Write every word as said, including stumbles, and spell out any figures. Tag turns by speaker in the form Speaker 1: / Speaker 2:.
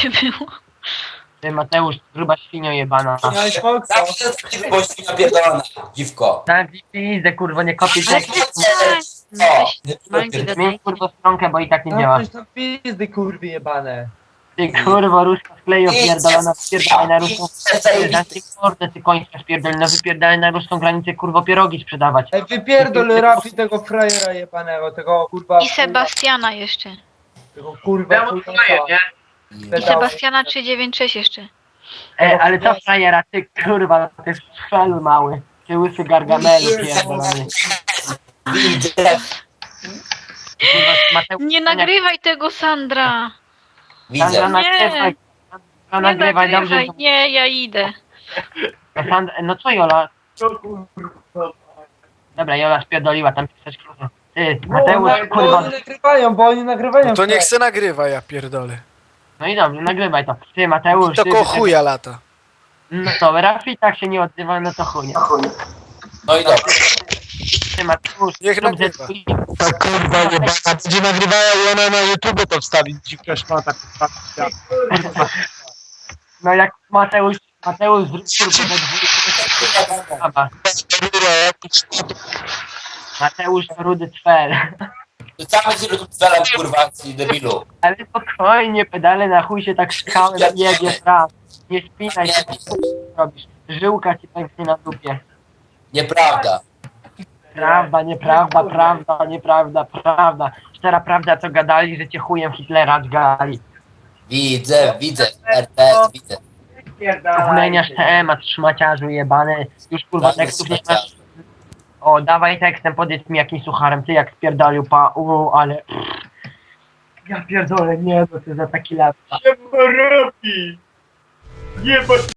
Speaker 1: by było.
Speaker 2: Ty Mateusz, gruba świnio jebana.
Speaker 3: Miałeś Foxa.
Speaker 4: Zawsze taki wybości napierdolona, dziwko.
Speaker 2: Tak, widzę, kurwa, nie kopię
Speaker 1: Ale
Speaker 2: tekstu.
Speaker 1: no, weź manki do
Speaker 2: Zmień
Speaker 1: tej.
Speaker 2: kurwa stronkę, bo i tak nie działa.
Speaker 3: Zamknąć tam pizdy, kurwy jebane.
Speaker 2: Ty kurwa, ruska skleju pierdolona, wypierdalaj na ruską granicę, mordę, ty kończysz pierdolona, wypierdalaj na ruską granicę, kurwa, pierogi sprzedawać.
Speaker 3: Ej, wypierdol Rafi tego frajera jebanego, tego kurwa...
Speaker 1: I Sebastiana jeszcze.
Speaker 3: Tego kurwa... chujosa.
Speaker 1: I Sebastiana trzysta dziewięćdziesiąt sześć jeszcze.
Speaker 2: E, ale co frajera, ty kurwa, ty strzel mały. Ty łysy gargamelu pierdolony.
Speaker 4: Widzę.
Speaker 2: Kurwa, Mateusz,
Speaker 1: Nie nagrywaj tego, Sandra!
Speaker 4: Widzę.
Speaker 2: Sandra, nagrywaj. Sandra,
Speaker 1: Nie
Speaker 2: nagrywaj, dobrze.
Speaker 1: nagrywaj, nie, ja idę.
Speaker 2: Sandra, no co Jola? Dobra, Jola spierdoliła, tam pisać kurwa. Ty, Mateusz,
Speaker 3: Bo, bo
Speaker 2: kurwa.
Speaker 3: oni nagrywają, bo oni nagrywają.
Speaker 5: No to niech
Speaker 3: tak.
Speaker 5: se nagrywa, ja pierdolę.
Speaker 2: No i dobrze, nagrywaj to. Ty, Mateusz,
Speaker 5: To
Speaker 2: ty,
Speaker 5: ko
Speaker 2: ty,
Speaker 5: chuja lata.
Speaker 2: No to Rafi tak się nie odzywa, no to chuj.
Speaker 4: No i dobra.
Speaker 2: Ty, Mateusz,
Speaker 5: Niech
Speaker 2: zrób
Speaker 5: nagrywa.
Speaker 2: ze swój-
Speaker 6: Ta kurwa jebana będzie nagrywała i ona na YouTube to wstawić. Dziwka szmata kurwa.
Speaker 2: No jak Mateusz, Mateusz zrób kurwa we dwójkę. Dobra. Mateusz to rudy cwer.
Speaker 4: Rzucamy się do celem, kurwa, ci debilu.
Speaker 2: Ale spokojnie, pedale na chuj się tak skałem jedzie praw. Nie spinaj się, co robisz. Żyłka ci pęknie na dupie.
Speaker 4: Nieprawda.
Speaker 2: Prawda, nieprawda, prawda, nieprawda, prawda. Szczera prawda, co gadali, że cię chujem Hitlera dźgali.
Speaker 4: Widzę, widzę. R T S, widzę.
Speaker 2: Zmieniasz temat, szmaciarzu jebany. Już kurwa tekstów nie masz. O, dawaj tekstem, powiedz mi jakim sucharem, ty jak spierdolił pa, u, ale... Ja pierdolę, nie, no to za taki lat.
Speaker 6: Nie ma rapi. Nie ma